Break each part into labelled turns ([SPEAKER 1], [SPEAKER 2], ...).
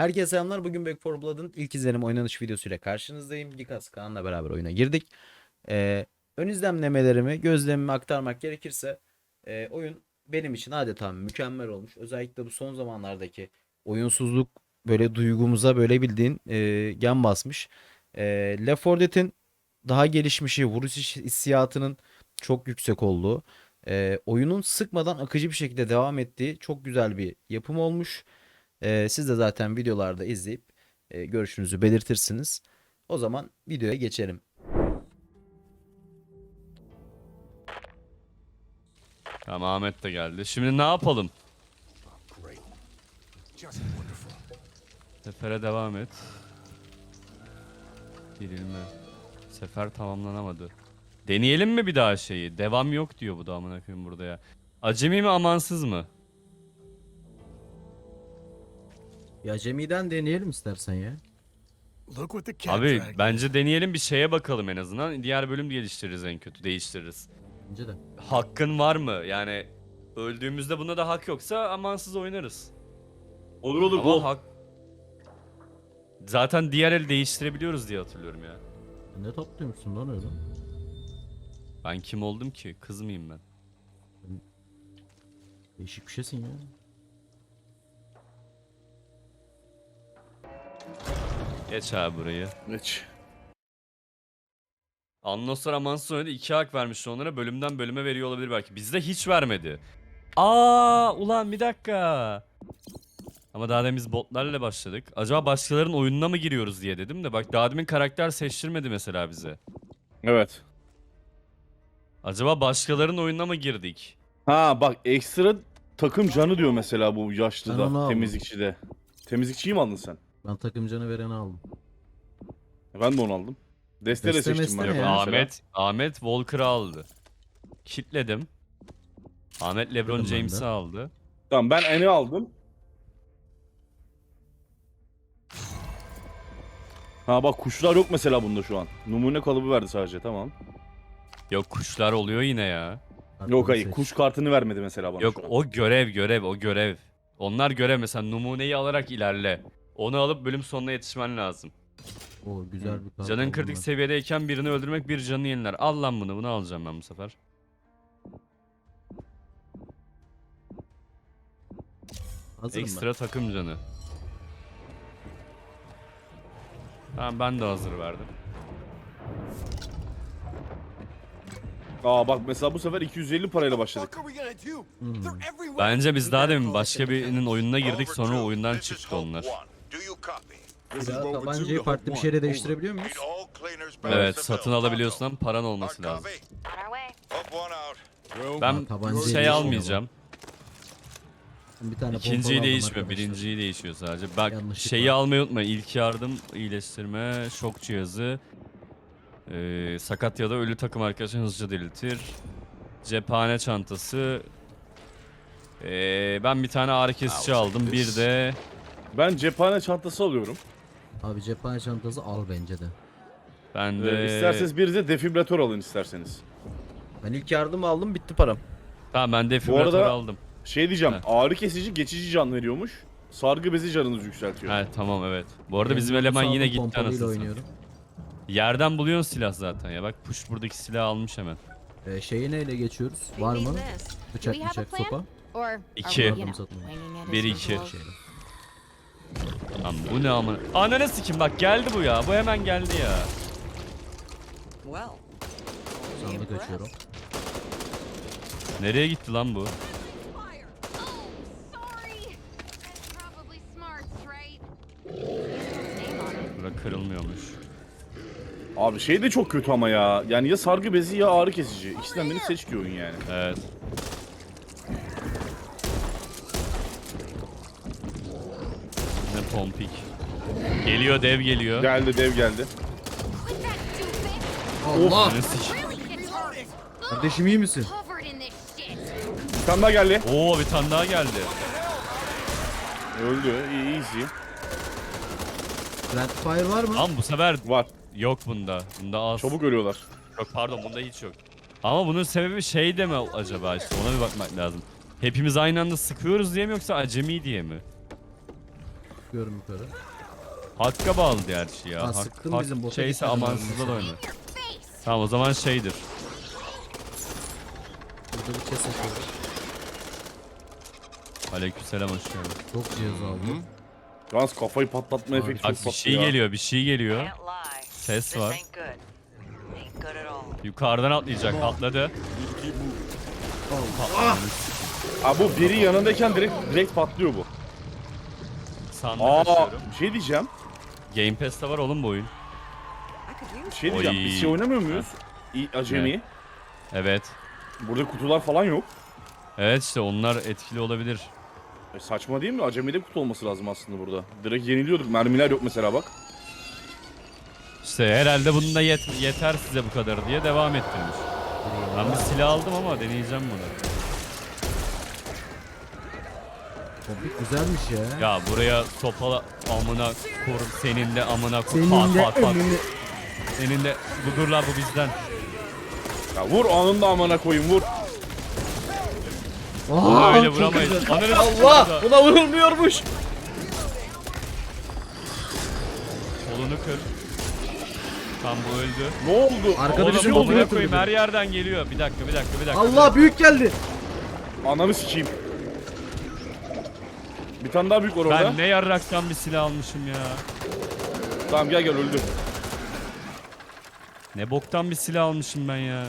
[SPEAKER 1] Herkese selamlar. Bugün Back 4 Blood'ın ilk izlenim oynanış videosuyla karşınızdayım. Gikas Kaan'la beraber oyuna girdik. Ön izlemlemelerimi, gözlemimi aktarmak gerekirse oyun benim için adeta mükemmel olmuş. Özellikle bu son zamanlardaki oyunsuzluk böyle duygumuza böyle bildiğin gen basmış. Left 4 Dead'in daha gelişmişi, vuruş hissiyatının çok yüksek olduğu, oyunun sıkmadan akıcı bir şekilde devam ettiği çok güzel bir yapım olmuş. Siz de zaten videolarda izleyip görüşünüzü belirtirsiniz. O zaman videoya geçelim.
[SPEAKER 2] Tamam, Ahmet de geldi. Şimdi ne yapalım? Sefere devam et. Girilme. Sefer tamamlanamadı. Deneyelim mi bir daha şeyi? Devam yok diyor bu da, amına koyayım burada ya. Acemi mi amansız mı?
[SPEAKER 1] Ya Cemi'den deneyelim istersen ya.
[SPEAKER 2] Abi bence deneyelim, bir şeye bakalım en azından. Diğer bölüm geliştiririz, en kötü değiştiririz.
[SPEAKER 1] Bence de.
[SPEAKER 2] Hakkın var mı? Yani öldüğümüzde buna da hak yoksa amansız oynarız.
[SPEAKER 3] Olur olur
[SPEAKER 2] Ama
[SPEAKER 3] bol.
[SPEAKER 2] hak... Zaten diğer el değiştirebiliyoruz diye hatırlıyorum ya.
[SPEAKER 1] Ne topluyormuşsun lan öyle?
[SPEAKER 2] Ben kim oldum ki? Kız mıyım ben?
[SPEAKER 1] Değişik bir şeysin ya.
[SPEAKER 2] Geç abi burayı.
[SPEAKER 3] Geç.
[SPEAKER 2] Annoslar amansız oynadı. 2 hak vermişti onlara. Bölümden bölüme veriyor olabilir belki. Bizde hiç vermedi. Aa, ulan bir dakika. Ama daha demin biz botlarla başladık. Acaba başkalarının oyununa mı giriyoruz diye dedim de. Bak, daha demin karakter seçtirmedi mesela bize.
[SPEAKER 3] Evet.
[SPEAKER 2] Acaba başkalarının oyununa mı girdik?
[SPEAKER 3] Ha bak, ekstra takım canı diyor mesela bu
[SPEAKER 1] Ben onu
[SPEAKER 3] yaşlıda,
[SPEAKER 1] aldım.
[SPEAKER 3] temizlikçide. Temizlikçiyi mi aldın sen?
[SPEAKER 1] Ben takımcanı vereni aldım.
[SPEAKER 3] Ben de onu aldım. Deste de
[SPEAKER 1] Deste
[SPEAKER 3] seçtim ben
[SPEAKER 1] meste
[SPEAKER 3] mesela.
[SPEAKER 1] ya.
[SPEAKER 2] Ahmet Walker'ı aldı. Kitledim. Ahmet LeBron
[SPEAKER 1] Kitledim ben de.
[SPEAKER 2] James'i aldı.
[SPEAKER 3] Tamam, ben Eni aldım. Ha bak, kuşlar yok mesela bunda şu an. Numune kalıbı verdi sadece, tamam.
[SPEAKER 2] Yok, kuşlar oluyor yine ya.
[SPEAKER 3] Yok hayır,
[SPEAKER 1] Seç.
[SPEAKER 3] kuş kartını vermedi mesela bana
[SPEAKER 2] Yok,
[SPEAKER 3] şu an.
[SPEAKER 2] o görev. Onlar görev, mesela numuneyi alarak ilerle. Onu alıp bölüm sonuna yetişmen lazım.
[SPEAKER 1] O güzel bir kart
[SPEAKER 2] Canın
[SPEAKER 1] aldım
[SPEAKER 2] kritik
[SPEAKER 1] ben.
[SPEAKER 2] seviyedeyken birini öldürmek bir canını yeniler. Al lan bunu alacağım ben bu sefer.
[SPEAKER 1] Hazırım
[SPEAKER 2] Ekstra takım canı. Tamam, ben de hazır verdim.
[SPEAKER 3] Aa bak, mesela bu sefer 250 parayla başladık.
[SPEAKER 2] Bence biz daha demin başka birinin oyununa girdik, sonra oyundan çıktı onlar.
[SPEAKER 1] ben. Ya tabancayı farklı bir şeyle değiştirebiliyor muyuz?
[SPEAKER 2] Evet, satın alabiliyorsun ama paran olması lazım. Ben
[SPEAKER 1] tabancayı
[SPEAKER 2] şey
[SPEAKER 1] değişmiyor
[SPEAKER 2] almayacağım.
[SPEAKER 1] Bir tane
[SPEAKER 2] İkinciyi
[SPEAKER 1] pompalı aldım
[SPEAKER 2] değişmiyor,
[SPEAKER 1] arkadaşlar.
[SPEAKER 2] birinciyi değişiyor sadece. Bak,
[SPEAKER 1] Yanlışlıkla.
[SPEAKER 2] şeyi almayı unutma. İlk yardım, iyileştirme, şok cihazı, sakat ya da ölü takım arkadaşını hızlıca diriltir. Cephane çantası. Ben bir tane ağrı kesici aldım. Bir de
[SPEAKER 3] Ben cephane çantası alıyorum.
[SPEAKER 1] Abi cephane çantası al bence de.
[SPEAKER 2] ben de
[SPEAKER 3] İsterseniz bir de defibrilatör alın isterseniz.
[SPEAKER 1] Ben ilk yardım aldım, bitti param.
[SPEAKER 2] Tamam, ben defibrilatör
[SPEAKER 3] arada-
[SPEAKER 2] aldım.
[SPEAKER 3] Şey diyeceğim,
[SPEAKER 2] Heh.
[SPEAKER 3] ağrı kesici geçici can veriyormuş. Sargı bezi canınızı yükseltiyor.
[SPEAKER 2] He, tamam, evet. Bu arada
[SPEAKER 1] Ben
[SPEAKER 2] bizim
[SPEAKER 1] bunu
[SPEAKER 2] eleman
[SPEAKER 1] saldım,
[SPEAKER 2] yine gitti
[SPEAKER 1] pompalıyla
[SPEAKER 2] anasını satayım.
[SPEAKER 1] oynuyorum.
[SPEAKER 2] Yerden buluyorsun silah zaten ya. Bak, push buradaki silahı almış hemen.
[SPEAKER 1] Şeyi neyle geçiyoruz? Var mı? Bıçak sopa.
[SPEAKER 2] İki.
[SPEAKER 1] Yardım satın.
[SPEAKER 2] 1-2.
[SPEAKER 1] Şeyle.
[SPEAKER 2] Lan bu ne amına? Ananı sikim, bak geldi bu ya. Bu hemen geldi ya.
[SPEAKER 1] Sandık açıyorum.
[SPEAKER 2] Nereye gitti lan bu? Bura kırılmıyormuş.
[SPEAKER 3] Abi şey de çok kötü ama ya. Yani ya sargı bezi ya ağrı kesici. İkisinden birini seç diyor oyun yani.
[SPEAKER 2] Evet. Ne pompik. Geliyor, dev geliyor.
[SPEAKER 3] Geldi, dev geldi.
[SPEAKER 1] Allah!
[SPEAKER 2] Ananı sik-
[SPEAKER 1] Kardeşim iyi misin?
[SPEAKER 3] Bir tane daha geldi.
[SPEAKER 2] Oo, bir tane daha geldi.
[SPEAKER 3] Öldü. İyi, easy.
[SPEAKER 1] Friendly Fire var mı?
[SPEAKER 2] Lan bu sefer
[SPEAKER 3] Var.
[SPEAKER 2] yok bunda. Bunda az.
[SPEAKER 3] Çabuk ölüyorlar.
[SPEAKER 2] Yok, pardon, bunda hiç yok. Ama bunun sebebi şey de mi acaba, işte ona bir bakmak lazım. Hepimiz aynı anda sıkıyoruz diye mi, yoksa acemi diye mi?
[SPEAKER 1] Çıkıyorum yukarı.
[SPEAKER 2] Hakka bağlı gerçi ya.
[SPEAKER 1] Ha, sıktın bizim bota
[SPEAKER 2] şeyse
[SPEAKER 1] gitmedin
[SPEAKER 2] amansızda da
[SPEAKER 1] abi
[SPEAKER 2] oynar. Tamam o zaman şeydir.
[SPEAKER 1] Burada bir chest açıyorum.
[SPEAKER 2] Aleykümselam hoş geldin.
[SPEAKER 1] Çok cihaz aldım.
[SPEAKER 3] Yalnız kafayı patlatma
[SPEAKER 1] Abi,
[SPEAKER 3] efekti
[SPEAKER 2] Bak
[SPEAKER 3] çok
[SPEAKER 2] bir
[SPEAKER 3] tatlı
[SPEAKER 2] şey
[SPEAKER 3] ya.
[SPEAKER 2] geliyor, bir şey geliyor.
[SPEAKER 4] Can't lie.
[SPEAKER 2] Ses
[SPEAKER 4] This
[SPEAKER 2] var.
[SPEAKER 4] ain't good. Ain't good at all.
[SPEAKER 2] Yukarıdan atlayacak, atladı.
[SPEAKER 3] Aa, bu biri yanındayken direkt patlıyor bu.
[SPEAKER 2] Sandık
[SPEAKER 3] Aa,
[SPEAKER 2] açıyorum.
[SPEAKER 3] bir şey diyeceğim.
[SPEAKER 2] Game Pass'te var oğlum bu oyun.
[SPEAKER 4] I could use
[SPEAKER 3] Bir şey diyeceğim.
[SPEAKER 2] Oy.
[SPEAKER 3] Biz şey oynamıyor muyuz? Acemi.
[SPEAKER 2] Evet.
[SPEAKER 3] Burada kutular falan yok.
[SPEAKER 2] Evet işte onlar etkili olabilir.
[SPEAKER 3] Saçma değil mi? Acemi'de kutu olması lazım aslında burada. Direkt yeniliyorduk. Mermiler yok mesela bak.
[SPEAKER 2] İşte herhalde bunun da yeter size bu kadar diye devam ettirmiş. Ben bir silah aldım ama deneyeceğim bunu.
[SPEAKER 1] Kompik güzelmiş ya.
[SPEAKER 2] Ya buraya sopala amına korum senin de amına korum.
[SPEAKER 1] Senin de
[SPEAKER 2] Pat, pat, pat.
[SPEAKER 1] önünü...
[SPEAKER 2] Senin de dur lan bu bizden.
[SPEAKER 3] Ya vur anında amına koyayım vur.
[SPEAKER 1] Aa,
[SPEAKER 2] Öyle
[SPEAKER 1] çok
[SPEAKER 2] vuramayız.
[SPEAKER 1] güzel.
[SPEAKER 2] Ananı
[SPEAKER 1] Allah!
[SPEAKER 2] s**eyim.
[SPEAKER 1] Buna vurulmuyormuş.
[SPEAKER 2] Kolunu kır. Tam bu öldü.
[SPEAKER 3] Ne oldu?
[SPEAKER 1] Arkada
[SPEAKER 3] Ananı
[SPEAKER 1] bizim
[SPEAKER 3] ne oldu?
[SPEAKER 1] botunu
[SPEAKER 2] Amına
[SPEAKER 1] götürdü
[SPEAKER 2] koyayım
[SPEAKER 1] biri.
[SPEAKER 2] her yerden geliyor. Bir dakika.
[SPEAKER 1] Allah büyük geldi.
[SPEAKER 3] Ananı sikeyim. Bir tane daha büyük var orada.
[SPEAKER 2] Ben ne yarraktan bir silah almışım ya.
[SPEAKER 3] Tamam gel öldü.
[SPEAKER 2] Ne boktan bir silah almışım ben ya.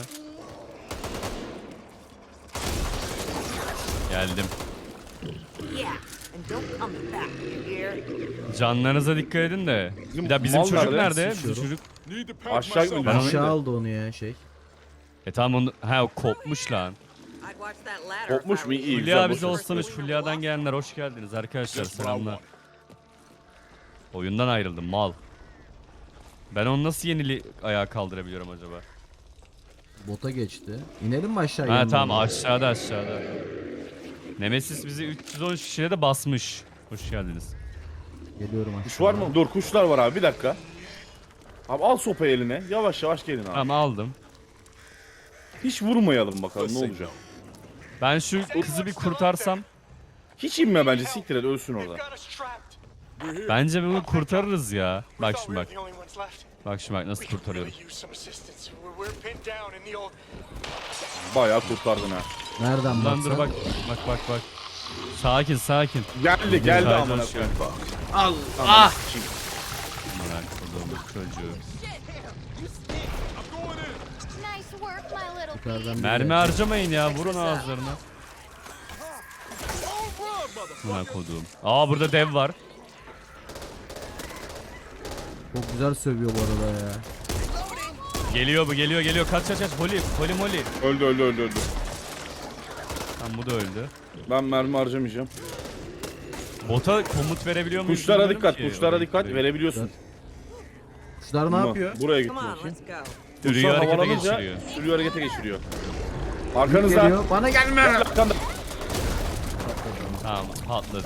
[SPEAKER 2] Geldim.
[SPEAKER 4] Yeah, and don't come back, you hear?
[SPEAKER 2] Canlarınıza dikkat edin de.
[SPEAKER 3] Bizim
[SPEAKER 2] Bir daha bizim
[SPEAKER 3] mal
[SPEAKER 2] çocuk
[SPEAKER 3] nerede?
[SPEAKER 2] nerede? Bizim
[SPEAKER 1] Sıçıyorum.
[SPEAKER 2] çocuk.
[SPEAKER 3] Aşağı mı?
[SPEAKER 2] Ben onu-
[SPEAKER 1] Aşağı aldı onu ya şey.
[SPEAKER 2] Tamam onu o kopmuş lan.
[SPEAKER 4] I'd watch that ladder.
[SPEAKER 3] Kopmuş
[SPEAKER 4] if I
[SPEAKER 3] mu?
[SPEAKER 4] were
[SPEAKER 3] İyi
[SPEAKER 4] you.
[SPEAKER 3] güzel.
[SPEAKER 2] Fulya
[SPEAKER 3] boş
[SPEAKER 2] bize
[SPEAKER 3] ver.
[SPEAKER 2] olsanız Fulya'dan gelenler hoş geldiniz arkadaşlar selamlar. Oyundan ayrıldım mal. Ben onu nasıl ayağa kaldırabiliyorum acaba?
[SPEAKER 1] Bota geçti. İnelim mi aşağı?
[SPEAKER 2] Ha
[SPEAKER 1] yanına
[SPEAKER 2] tamam
[SPEAKER 1] doğru?
[SPEAKER 2] aşağıda. Nemesis bizi 313 kişiyle de basmış. Hoş geldiniz.
[SPEAKER 1] Geliyorum aşağı.
[SPEAKER 3] Kuş var mı? Dur kuşlar var abi bir dakika. Abi al sopayı eline. Yavaş yavaş gelin abi.
[SPEAKER 2] Tamam aldım.
[SPEAKER 3] Hiç vurmayalım bakalım ne olacak.
[SPEAKER 2] Ben şu kızı bir kurtarsam.
[SPEAKER 3] Hiç inme bence siktir et ölsün orada.
[SPEAKER 2] Bence bunu kurtarırız ya. Bak şimdi bak. Bak şimdi bak nasıl kurtarıyorum.
[SPEAKER 3] Bayağı kurtardın ha.
[SPEAKER 1] Nereden
[SPEAKER 2] Lan dur
[SPEAKER 1] baksan?
[SPEAKER 2] bak. Sakin.
[SPEAKER 3] Geldi
[SPEAKER 2] Güzel,
[SPEAKER 3] amına
[SPEAKER 2] hoş
[SPEAKER 3] koyayım.
[SPEAKER 2] geldin.
[SPEAKER 3] Al. Ah. Sikeyim.
[SPEAKER 2] Aman koduğumuz çocuğu.
[SPEAKER 5] Nice work, my little
[SPEAKER 1] Yukarıdan biri
[SPEAKER 2] Mermi
[SPEAKER 1] geldi.
[SPEAKER 2] harcamayın ya vurun ağızlarına. Aman koduğum. Aa burada dev var.
[SPEAKER 1] Çok güzel sövüyor bu arada ya.
[SPEAKER 2] Geliyor bu geliyor. Kaç. Holy moly.
[SPEAKER 3] Öldü.
[SPEAKER 2] Tamam bu da öldü.
[SPEAKER 3] Ben mermi harcamayacağım.
[SPEAKER 2] Bota komut verebiliyor muyuz?
[SPEAKER 3] Kuşlara
[SPEAKER 2] bilmiyorum
[SPEAKER 3] dikkat,
[SPEAKER 2] ki.
[SPEAKER 3] kuşlara dikkat
[SPEAKER 2] Orayı-
[SPEAKER 3] verebiliyorsun.
[SPEAKER 1] Kuşlar ne
[SPEAKER 3] Buna,
[SPEAKER 1] yapıyor?
[SPEAKER 3] Buraya git
[SPEAKER 4] Come on,
[SPEAKER 3] bakayım.
[SPEAKER 4] let's go.
[SPEAKER 2] Sürüyü
[SPEAKER 3] Kuşlar
[SPEAKER 2] harekete
[SPEAKER 3] havalanınca
[SPEAKER 2] geçiriyor.
[SPEAKER 3] Sürüyü harekete geçiriyor.
[SPEAKER 1] Büyük
[SPEAKER 3] Arkanızda.
[SPEAKER 1] geliyor. Bana gelme.
[SPEAKER 3] Arkanda.
[SPEAKER 2] Tamam patladı.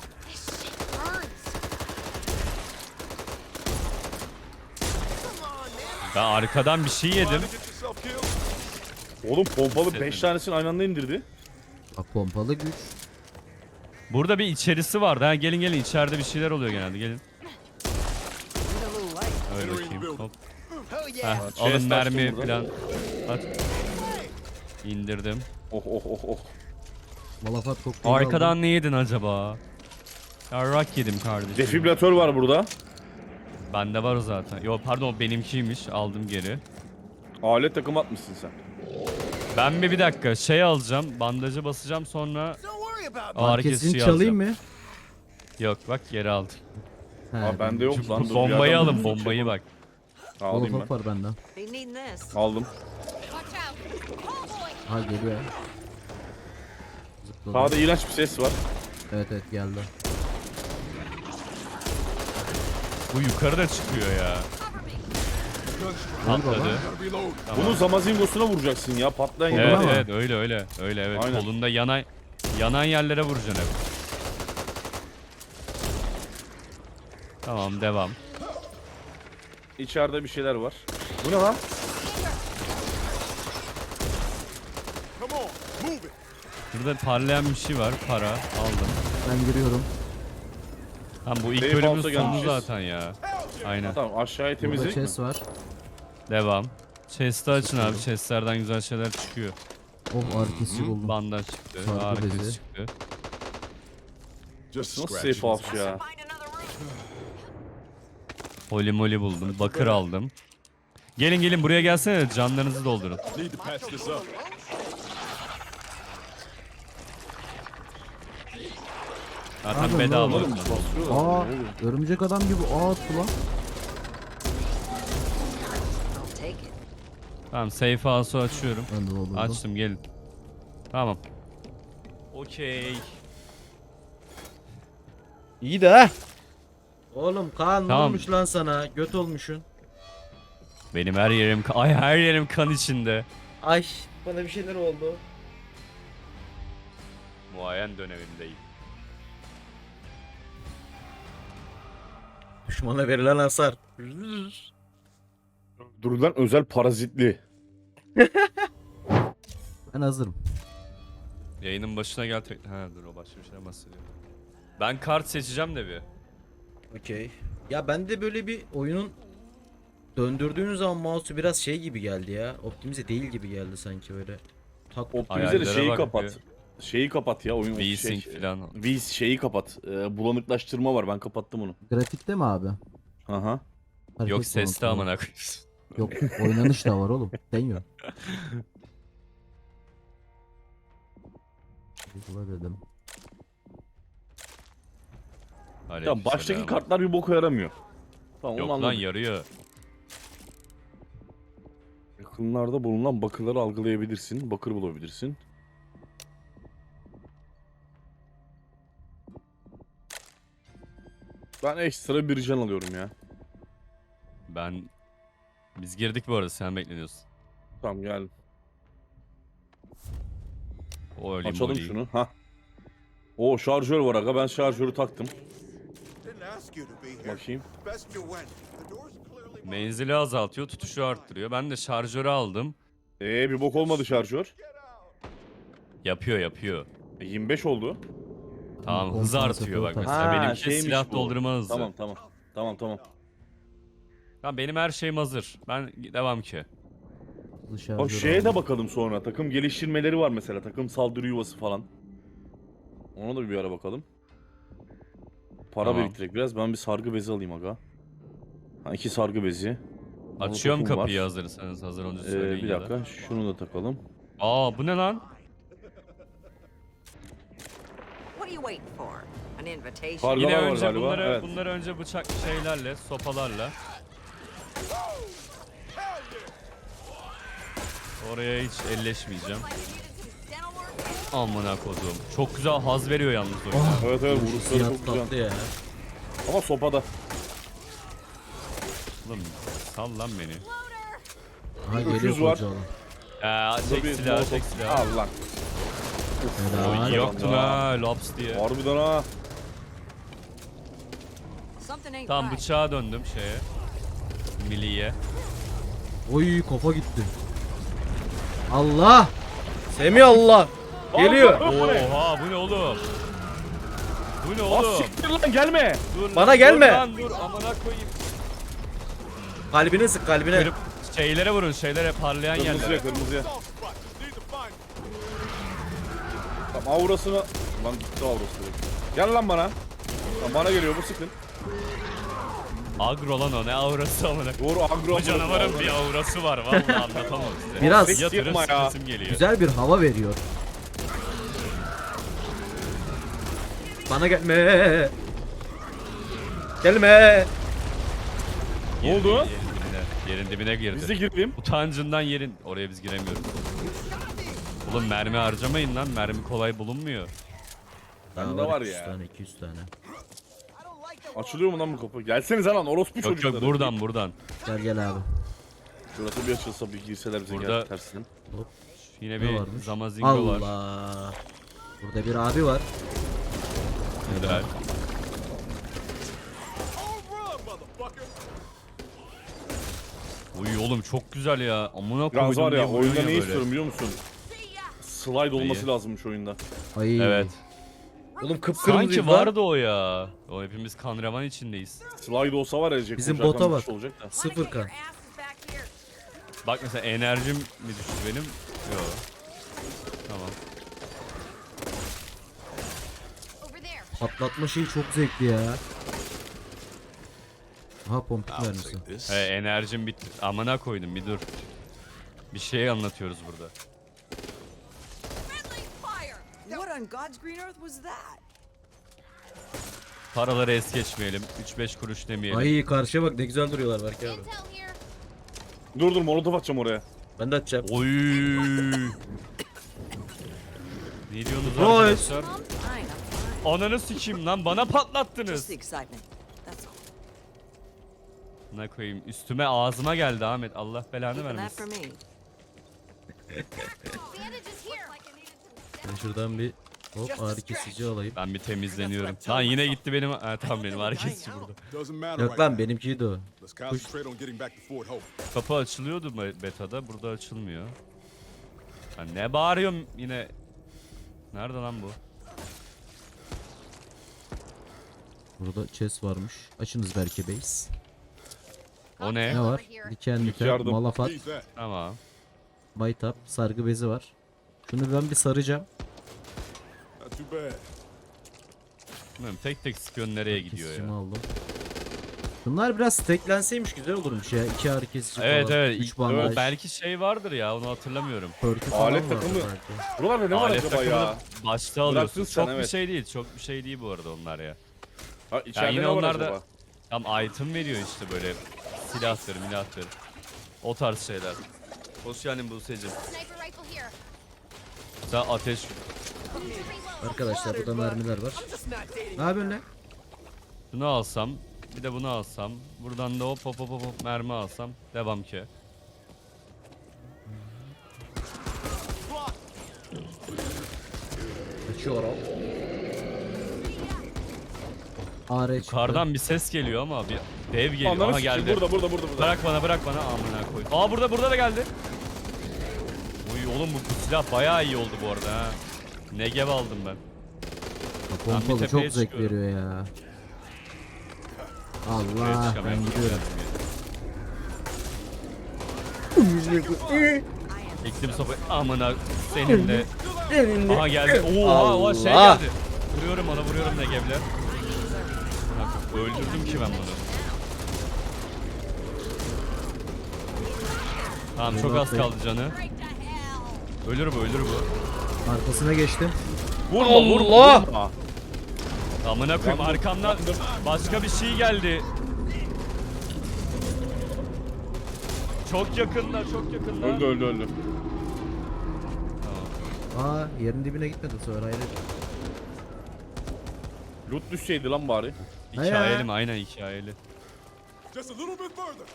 [SPEAKER 2] Ben arkadan bir şey yedim.
[SPEAKER 3] Oğlum pompalı 5 tanesini aynı anda indirdi.
[SPEAKER 1] Bak pompalı güç.
[SPEAKER 2] Burada bir içerisi vardı. Ha gelin içeride bir şeyler oluyor genelde gelin. Öyle bakayım. Hop. Heh, alın
[SPEAKER 3] Chest
[SPEAKER 2] mermi
[SPEAKER 3] açtım burada.
[SPEAKER 2] falan. At. İndirdim.
[SPEAKER 3] Oh.
[SPEAKER 1] Malafat kokteyli
[SPEAKER 2] Arkadan ne yedin acaba? Yarrak yedim kardeşim.
[SPEAKER 3] Defibrilatör var burada.
[SPEAKER 2] Bende var o zaten. Yo pardon o benimkiymiş. Aldım geri.
[SPEAKER 3] Alet takım atmışsın sen.
[SPEAKER 2] Ben bir dakika şey alacağım. Bandajı basacağım sonra ağrı
[SPEAKER 1] Herkesin
[SPEAKER 2] kesiciyi
[SPEAKER 1] çalayım
[SPEAKER 2] alacağım.
[SPEAKER 1] mı?
[SPEAKER 2] Yok bak geri aldım.
[SPEAKER 1] He,
[SPEAKER 3] Aa bende yok
[SPEAKER 2] Şu
[SPEAKER 3] lan. dur, bir
[SPEAKER 2] bombayı
[SPEAKER 3] adam
[SPEAKER 2] alın
[SPEAKER 3] bulsun,
[SPEAKER 2] bombayı
[SPEAKER 3] çabuk.
[SPEAKER 2] bak.
[SPEAKER 3] Alayım
[SPEAKER 1] Malafat
[SPEAKER 3] ben.
[SPEAKER 1] var benden.
[SPEAKER 4] They need this.
[SPEAKER 3] Aldım.
[SPEAKER 5] Watch out. Oh boy.
[SPEAKER 1] Ha geliyor. Zıpladı.
[SPEAKER 3] Sağda iğrenç bir ses var.
[SPEAKER 1] Evet geldi.
[SPEAKER 2] Bu yukarıda çıkıyor ya. Patladı. Tamam.
[SPEAKER 3] Bunu zamazingosuna vuracaksın ya patlayan
[SPEAKER 1] Oldu
[SPEAKER 3] yer.
[SPEAKER 2] Evet
[SPEAKER 1] ama.
[SPEAKER 2] evet öyle evet.
[SPEAKER 3] Aynen.
[SPEAKER 2] Kolunda yanan yerlere vuracaksın hep. Tamam devam.
[SPEAKER 3] İçeride bir şeyler var. Bu ne lan?
[SPEAKER 2] Burada parlayan bir şey var. Para aldım.
[SPEAKER 1] Ben giriyorum.
[SPEAKER 2] Tamam bu ilk
[SPEAKER 3] Safe
[SPEAKER 2] bölümün
[SPEAKER 3] house'a
[SPEAKER 2] sonu
[SPEAKER 3] gelmişiz.
[SPEAKER 2] zaten ya. Aynen.
[SPEAKER 3] Tamam aşağıya
[SPEAKER 6] Burada
[SPEAKER 3] temizledik mi?
[SPEAKER 6] chest var.
[SPEAKER 2] Devam. Chest'i açın abi. Chest'lerden güzel şeyler çıkıyor.
[SPEAKER 6] Oh ağrı kesici buldum.
[SPEAKER 2] Bandaj çıktı.
[SPEAKER 6] Sargı
[SPEAKER 2] Ağrı
[SPEAKER 6] bezi.
[SPEAKER 2] kesici çıktı.
[SPEAKER 3] Nasıl safe house ya?
[SPEAKER 4] Find another room.
[SPEAKER 2] Holy moly buldum. Bakır aldım. Gelin gelin buraya gelsene de canlarınızı doldurun. Zaten
[SPEAKER 6] Pardon,
[SPEAKER 2] bedava.
[SPEAKER 6] ne oldu? Aa örümcek adam gibi attı lan.
[SPEAKER 4] I'll take it.
[SPEAKER 2] Tamam safe house'u açıyorum.
[SPEAKER 6] Ben de doldurdum.
[SPEAKER 2] Açtım gelin. Tamam. Okey.
[SPEAKER 1] İyi de ha. Oğlum Kaan ne
[SPEAKER 2] Tamam.
[SPEAKER 1] olmuş lan sana? Göt olmuşsun.
[SPEAKER 2] Benim her yerim ay her yerim kan içinde.
[SPEAKER 1] Ay bana bir şeyler oldu.
[SPEAKER 2] Muayen dönemindeyim.
[SPEAKER 1] Düşmana verilen hasar.
[SPEAKER 3] Durulan özel parazitli.
[SPEAKER 6] Ben hazırım.
[SPEAKER 2] Yayının başına gel ha dur o başka bir şeyden bahsediyor. Ben kart seçeceğim de bir.
[SPEAKER 1] Okey. Ya ben de böyle bir oyunun döndürdüğünüz zaman mouse'u biraz şey gibi geldi ya. Optimize değil gibi geldi sanki böyle. Tak
[SPEAKER 3] Optimize de
[SPEAKER 2] Hayallere
[SPEAKER 3] şeyi
[SPEAKER 2] bak
[SPEAKER 3] kapat.
[SPEAKER 2] ya.
[SPEAKER 3] Şeyi kapat ya oyun
[SPEAKER 2] V-Sync falan.
[SPEAKER 3] Şeyi kapat. Bulanıklaştırma var ben kapattım onu.
[SPEAKER 6] Grafikte mi abi?
[SPEAKER 3] Aha.
[SPEAKER 6] Hareket
[SPEAKER 2] Yok sesli
[SPEAKER 6] bulanıklığı.
[SPEAKER 2] amına koyayım.
[SPEAKER 6] Yok oynanış da var oğlum. Deniyor. Uygula dedim.
[SPEAKER 3] Ya baştaki
[SPEAKER 2] Aleykümselam.
[SPEAKER 3] kartlar bir boka yaramıyor. Tamam
[SPEAKER 2] Yok
[SPEAKER 3] onu
[SPEAKER 2] lan
[SPEAKER 3] anladım.
[SPEAKER 2] yarıyor.
[SPEAKER 3] Yakınlarda bulunan bakırları algılayabilirsin. Bakır bulabilirsin. Ben ekstra bir can alıyorum ya.
[SPEAKER 2] Biz girdik bu arada sen bekleniyorsun.
[SPEAKER 3] Tamam gel.
[SPEAKER 2] O öyle
[SPEAKER 3] Açalım
[SPEAKER 2] moly.
[SPEAKER 3] şunu. Ha. O şarjör var aga. Ben şarjörü taktım.
[SPEAKER 7] Didn't ask you to be here.
[SPEAKER 3] Bakayım.
[SPEAKER 7] Best you went. The door's clearly
[SPEAKER 2] Menzili azaltıyor, tutuşu arttırıyor. Ben de şarjörü aldım.
[SPEAKER 3] Bir bok olmadı şarjör.
[SPEAKER 2] Yapıyor.
[SPEAKER 3] 25 oldu.
[SPEAKER 2] Tamam hız
[SPEAKER 6] Kompansatör
[SPEAKER 2] artıyor bak
[SPEAKER 6] tak.
[SPEAKER 2] mesela. Benimki
[SPEAKER 3] şeymiş
[SPEAKER 2] silah
[SPEAKER 3] bu.
[SPEAKER 2] doldurma hızı.
[SPEAKER 3] Tamam.
[SPEAKER 2] Tamam benim her şeyim hazır. Ben devam ki.
[SPEAKER 6] Dışarıda
[SPEAKER 3] Bak şeye de bakalım sonra. Takım geliştirmeleri var mesela. Takım saldırı yuvası falan. Ona da bir ara bakalım. Para
[SPEAKER 2] Tamam.
[SPEAKER 3] biriktirek biraz. Ben bir sargı bezi alayım aga. Ha 2 sargı bezi.
[SPEAKER 2] Açıyorum
[SPEAKER 3] Molotofum
[SPEAKER 2] kapıyı
[SPEAKER 3] var.
[SPEAKER 2] hazırsanız. Hazır olunca söyleyin
[SPEAKER 3] Bir
[SPEAKER 2] ya
[SPEAKER 3] dakika.
[SPEAKER 2] da.
[SPEAKER 3] Şunu da takalım.
[SPEAKER 2] Aa bu ne lan?
[SPEAKER 4] What are you waiting for? An invitation?
[SPEAKER 3] Kargalar
[SPEAKER 2] Yine
[SPEAKER 3] var
[SPEAKER 2] önce
[SPEAKER 3] galiba.
[SPEAKER 2] bunları
[SPEAKER 3] Evet.
[SPEAKER 2] önce bıçak şeylerle, sopalarla. Oraya hiç elleşmeyeceğim.
[SPEAKER 4] Dental work?
[SPEAKER 2] Amına kodum. Çok güzel haz veriyor yalnız oyun.
[SPEAKER 3] Evet vuruşları
[SPEAKER 1] Siyah
[SPEAKER 3] çok
[SPEAKER 1] tatlı
[SPEAKER 3] güzel.
[SPEAKER 1] ya.
[SPEAKER 3] Ama sopada.
[SPEAKER 2] Oğlum sal lan beni.
[SPEAKER 6] Ha
[SPEAKER 3] Öküz
[SPEAKER 6] geliyor
[SPEAKER 3] var.
[SPEAKER 6] koca olan.
[SPEAKER 2] Çek
[SPEAKER 3] Bir
[SPEAKER 2] silahı,
[SPEAKER 3] molotof-
[SPEAKER 2] çek silahı.
[SPEAKER 3] Al lan.
[SPEAKER 6] Helal.
[SPEAKER 2] Yoktu ha Lops diye.
[SPEAKER 3] Harbiden ha.
[SPEAKER 4] Something ain't
[SPEAKER 2] Tamam
[SPEAKER 4] right.
[SPEAKER 2] bıçağa döndüm şeye. Milliye.
[SPEAKER 6] Oy kafa gitti.
[SPEAKER 1] Allah! Semih Allah! Geliyor.
[SPEAKER 2] Oha bu ne oğlum? Bu ne
[SPEAKER 3] Aa
[SPEAKER 2] oğlum?
[SPEAKER 3] siktir lan gelme.
[SPEAKER 2] Dur
[SPEAKER 1] Bana
[SPEAKER 2] lan,
[SPEAKER 1] gelme.
[SPEAKER 2] Dur lan dur amına koyayım.
[SPEAKER 1] Kalbine sık kalbine.
[SPEAKER 2] Kırıp şeylere vurun şeylere parlayan yerlere.
[SPEAKER 3] Kırmızıya. Tamam aurasını... Lan gitti aurası direkt. Gel lan bana. Lan bana geliyor bu sıkın.
[SPEAKER 2] Agro lan o ne aurası amına.
[SPEAKER 3] Doğru agro.
[SPEAKER 2] Bu canavarın bir aurası var vallahi anlatamam size.
[SPEAKER 1] Biraz
[SPEAKER 2] Yatırıp
[SPEAKER 3] yapma ya.
[SPEAKER 2] sıkıntım geliyor.
[SPEAKER 6] Güzel bir hava veriyor.
[SPEAKER 1] Bana gelme. Gelme.
[SPEAKER 3] Ne oldu?
[SPEAKER 2] Yerin dibine girdi.
[SPEAKER 3] Biz de girelim.
[SPEAKER 2] Utancından yerin. Oraya biz giremiyoruz. Oğlum mermi harcamayın lan. Mermi kolay bulunmuyor.
[SPEAKER 3] Bende
[SPEAKER 1] Daha
[SPEAKER 3] var
[SPEAKER 1] 200
[SPEAKER 3] ya.
[SPEAKER 1] tane 200 tane.
[SPEAKER 3] Açılıyor mu lan bu kapı? Gelsenize lan orospu
[SPEAKER 2] Yok
[SPEAKER 3] çocukları.
[SPEAKER 2] yok buradan.
[SPEAKER 6] Gel abi.
[SPEAKER 3] Şurası bir açılsa bir girseler bize
[SPEAKER 2] Burada-
[SPEAKER 3] gel tersinden.
[SPEAKER 2] Yine
[SPEAKER 6] Ne
[SPEAKER 2] bir
[SPEAKER 6] varmış?
[SPEAKER 2] Zamazingo var.
[SPEAKER 6] Allah. Burada bir abi var.
[SPEAKER 2] Güzel. Uy oğlum çok güzel ya. Amına koydum
[SPEAKER 3] Yalnız var
[SPEAKER 2] diye
[SPEAKER 3] ya
[SPEAKER 2] vuruyorsun
[SPEAKER 3] oyunda ne
[SPEAKER 2] böyle.
[SPEAKER 3] istiyorum biliyor musun? Slide olması lazımmış oyunda.
[SPEAKER 6] Ay.
[SPEAKER 2] Evet.
[SPEAKER 1] Oğlum kıpkırmızı
[SPEAKER 2] Sanki vardı o ya. O hepimiz kan revan içindeyiz.
[SPEAKER 3] Slide olsa var ya Jack
[SPEAKER 1] Bizim
[SPEAKER 3] koşarken
[SPEAKER 1] bota
[SPEAKER 3] bir
[SPEAKER 1] bak.
[SPEAKER 3] şey olacak da.
[SPEAKER 4] Wanna
[SPEAKER 1] Sıfır
[SPEAKER 4] get
[SPEAKER 1] kan.
[SPEAKER 4] your asses back here?
[SPEAKER 2] Bak mesela enerjim mi düştü benim? Yok. Tamam.
[SPEAKER 5] Over there.
[SPEAKER 6] Patlatma şeyi çok zevkli ya. Aha pompik mermisi.
[SPEAKER 2] Enerjim bitti. Amına koydum bir dur. Bir şey anlatıyoruz burada.
[SPEAKER 4] Friendly fire! What on God's green earth was that?
[SPEAKER 2] Paraları es geçmeyelim. 3-5 kuruş demeyelim.
[SPEAKER 1] Ay karşıya bak ne güzel duruyorlar belki abi.
[SPEAKER 5] Intel here.
[SPEAKER 3] Dur molotof atacağım oraya.
[SPEAKER 1] Ben de atacağım.
[SPEAKER 2] Oy. Ne diyorsunuz
[SPEAKER 1] Oy.
[SPEAKER 2] arkadaşlar?
[SPEAKER 4] Fine, I'm fine.
[SPEAKER 2] Ananı sikeyim lan bana patlattınız.
[SPEAKER 4] Just the excitement. That's all.
[SPEAKER 2] Ne koyayım üstüme ağzıma geldi Ahmet. Allah belanı
[SPEAKER 4] Keeping that for
[SPEAKER 2] vermesin.
[SPEAKER 4] me.
[SPEAKER 5] Bandages here.
[SPEAKER 1] Ben şuradan bir hop ağrı kesici alayım.
[SPEAKER 2] Ben bir temizleniyorum. Lan yine gitti benim. Ha tamam benim ağrı kesici burada.
[SPEAKER 7] Doesn't matter
[SPEAKER 1] Yok
[SPEAKER 7] right
[SPEAKER 1] lan
[SPEAKER 7] now.
[SPEAKER 1] benimkiydi o.
[SPEAKER 7] Let's concentrate on getting back to Fort Hope.
[SPEAKER 2] Kapı açılıyordu betada. Burada açılmıyor. Ha, ne bağırıyorum yine. Nerede lan bu?
[SPEAKER 6] Burada chest varmış. Açınız belki base.
[SPEAKER 2] O ne?
[SPEAKER 6] Ne var? Diken diken,
[SPEAKER 3] yardım.
[SPEAKER 6] malafat,
[SPEAKER 7] Need that.
[SPEAKER 2] Tamam.
[SPEAKER 6] baytap, sargı bezi var. Şunu ben bir saracağım.
[SPEAKER 7] Not too bad.
[SPEAKER 2] Bilmiyorum, tek tek sıkıyorsun nereye gidiyor
[SPEAKER 6] Kesicimi
[SPEAKER 2] ya.
[SPEAKER 6] aldım.
[SPEAKER 1] Bunlar biraz stacklenseymiş güzel olurmuş ya. 2 ağrı kesici
[SPEAKER 2] Evet
[SPEAKER 1] falan.
[SPEAKER 2] evet.
[SPEAKER 6] 3 bandaj.
[SPEAKER 2] O belki şey vardır ya onu hatırlamıyorum.
[SPEAKER 6] Perk'ü falan
[SPEAKER 3] Alet
[SPEAKER 6] vardı
[SPEAKER 3] takımı.
[SPEAKER 6] belki.
[SPEAKER 3] Buralarda ne var
[SPEAKER 2] Alet
[SPEAKER 3] acaba ya?
[SPEAKER 2] takımını başta alıyorsun.
[SPEAKER 3] Bıraktın sen,
[SPEAKER 2] Çok bir
[SPEAKER 3] evet.
[SPEAKER 2] şey değil. Çok bir şey değil bu arada onlar ya.
[SPEAKER 3] Ha, içeride
[SPEAKER 2] yine
[SPEAKER 3] ne var
[SPEAKER 2] onlar da-
[SPEAKER 3] acaba?
[SPEAKER 2] Tam item veriyor işte böyle silahtır, milahtır. O tarz şeyler. Hoş geldin Buse'cim.
[SPEAKER 5] Sniper rifle here.
[SPEAKER 2] Sen ateş...
[SPEAKER 1] Arkadaşlar burada mermiler var.
[SPEAKER 4] I'm just not dating.
[SPEAKER 1] Ne yapıyorsun lan?
[SPEAKER 2] Bunu alsam, bir de bunu alsam. Buradan da hop hop hop hop mermi alsam. Devam ki.
[SPEAKER 1] Açıyorum.
[SPEAKER 6] AR çıktı.
[SPEAKER 2] Yukarıdan bir ses geliyor ama bir dev geliyor.
[SPEAKER 3] Ananı
[SPEAKER 2] Aha
[SPEAKER 3] sikeyim.
[SPEAKER 2] geldi.
[SPEAKER 3] Burada.
[SPEAKER 2] Bırak bana amına koy. Aa burada da geldi. Uy oğlum bu silah bayağı iyi oldu bu arada ha. Negev aldım ben.
[SPEAKER 6] Ha,
[SPEAKER 2] Ben bir
[SPEAKER 6] pompalı
[SPEAKER 2] tepeye
[SPEAKER 6] çok zevk
[SPEAKER 2] çıkıyorum.
[SPEAKER 6] veriyor ya.
[SPEAKER 2] Buraya
[SPEAKER 6] Allah ben
[SPEAKER 2] çıkamıyorum.
[SPEAKER 6] gidiyorum.
[SPEAKER 2] Ektim sopayı amına senin de. Aha geldi.
[SPEAKER 1] Allah.
[SPEAKER 2] Oha şey geldi. Vuruyorum Negev'le. Öldürdüm ki ben bunu. Tamam çok az kaldı canı. Ölür bu.
[SPEAKER 6] Arkasına geçtim.
[SPEAKER 1] Allah!
[SPEAKER 2] Amına koyayım arkamdan başka bir şey geldi. Çok yakında.
[SPEAKER 3] Öldü.
[SPEAKER 6] Aa yerin dibine gitmedi sonra hayret.
[SPEAKER 3] Loot düşseydi lan bari.
[SPEAKER 2] Hikayeli mi? Aynen hikayeli.
[SPEAKER 7] Just a little bit further.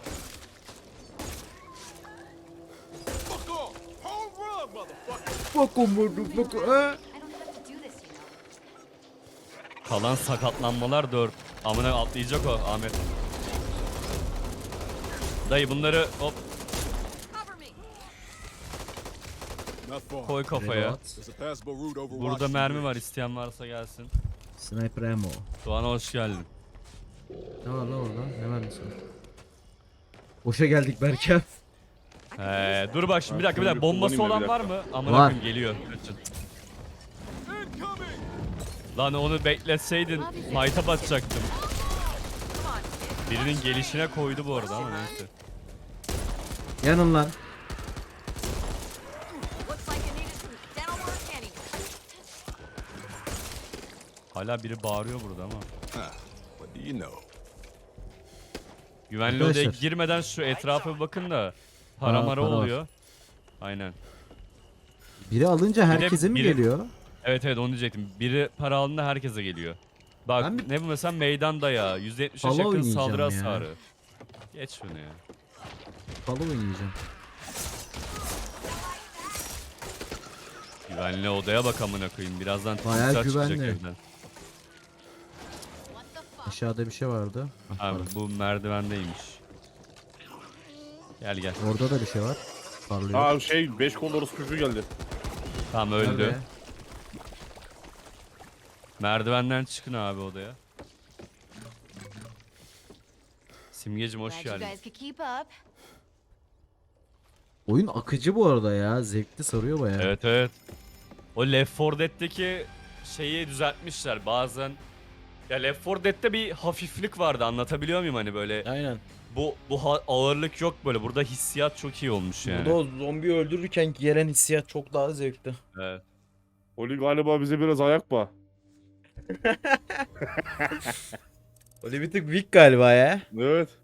[SPEAKER 7] Fuck off. Home run, motherfucker.
[SPEAKER 1] Bakın vurdum bakın.
[SPEAKER 5] I don't have to do this, you know.
[SPEAKER 2] Kalan sakatlanmalar 4. Amına atlayacak o Ahmet. Dayı bunları hop
[SPEAKER 4] Cover me.
[SPEAKER 7] Not far.
[SPEAKER 2] koy kafaya.
[SPEAKER 6] Reload.
[SPEAKER 7] There's a passable route over
[SPEAKER 2] Burada
[SPEAKER 7] Washington
[SPEAKER 2] mermi
[SPEAKER 7] Bridge.
[SPEAKER 2] var isteyen varsa gelsin.
[SPEAKER 6] Sniper ammo.
[SPEAKER 2] Doğan'a hoş geldin.
[SPEAKER 6] Ne var lan orada? Ne mermisi var? Boşa geldik Berke.
[SPEAKER 2] Dur bak şimdi bir dakika
[SPEAKER 3] şöyle
[SPEAKER 2] bombası
[SPEAKER 3] kullanayım
[SPEAKER 2] olan
[SPEAKER 3] da bir
[SPEAKER 2] var mı? Amına
[SPEAKER 6] Var.
[SPEAKER 2] koyayım geliyor. Kaçın.
[SPEAKER 7] Incoming.
[SPEAKER 2] Lan onu bekletseydin fight'a batacaktım. Birinin gelişine koydu bu arada ama neyse.
[SPEAKER 6] Yanın lan.
[SPEAKER 4] Looks like you needed some dental work anyway.
[SPEAKER 2] Hala biri bağırıyor burada ama.
[SPEAKER 7] What do you know?
[SPEAKER 2] Güvenli odaya
[SPEAKER 6] Arkadaşlar.
[SPEAKER 2] girmeden şu etrafa bir bakın da para
[SPEAKER 6] Aa,
[SPEAKER 2] mara
[SPEAKER 6] para var.
[SPEAKER 2] oluyor. Aynen.
[SPEAKER 6] Biri alınca herkese mi
[SPEAKER 2] biri-
[SPEAKER 6] geliyor?
[SPEAKER 2] Evet onu diyecektim. Biri para aldığında herkese geliyor. Bak
[SPEAKER 6] Ben bir-
[SPEAKER 2] ne bu mesela meydan dayağı. %70'e
[SPEAKER 6] Halo
[SPEAKER 2] yakın
[SPEAKER 6] oynayacağım
[SPEAKER 2] saldırı
[SPEAKER 6] ya.
[SPEAKER 2] hasarı. Geç şunu ya.
[SPEAKER 6] Halo oynayacağım.
[SPEAKER 2] Güvenli odaya bak amına koyayım. Birazdan
[SPEAKER 6] Bayağı
[SPEAKER 2] timsah çıkacak
[SPEAKER 6] güvenli.
[SPEAKER 2] evden.
[SPEAKER 5] What the fuck?
[SPEAKER 6] Aşağıda bir şey vardı. Ah,
[SPEAKER 2] Abi
[SPEAKER 6] pardon.
[SPEAKER 2] bu merdivendeymiş. Gel.
[SPEAKER 6] Orada da bir şey var. Parlıyor.
[SPEAKER 3] Aa 5 kol orospu çocuğu geldi.
[SPEAKER 2] Tamam öldü.
[SPEAKER 6] Nerede?
[SPEAKER 2] Merdivenden çıkın abi odaya. Simgecim hoş
[SPEAKER 5] Glad you
[SPEAKER 2] geldin.
[SPEAKER 5] guys could keep up.
[SPEAKER 6] Oyun akıcı bu arada ya. Zevkli, sarıyor bayağı.
[SPEAKER 2] Evet evet. O Left 4 Dead'deki şeyi düzeltmişler bazen. Ya Left 4 Dead'de bir hafiflik vardı, anlatabiliyor muyum hani böyle.
[SPEAKER 1] Aynen.
[SPEAKER 2] Bu ağırlık yok böyle. Burada hissiyat çok iyi olmuş yani.
[SPEAKER 1] Burada o zombi öldürürken gelen hissiyat çok daha zevkli.
[SPEAKER 2] Evet.
[SPEAKER 3] Oli galiba bize biraz ayak bağ.
[SPEAKER 1] Öyle bir tık weak galiba ya.
[SPEAKER 3] Evet.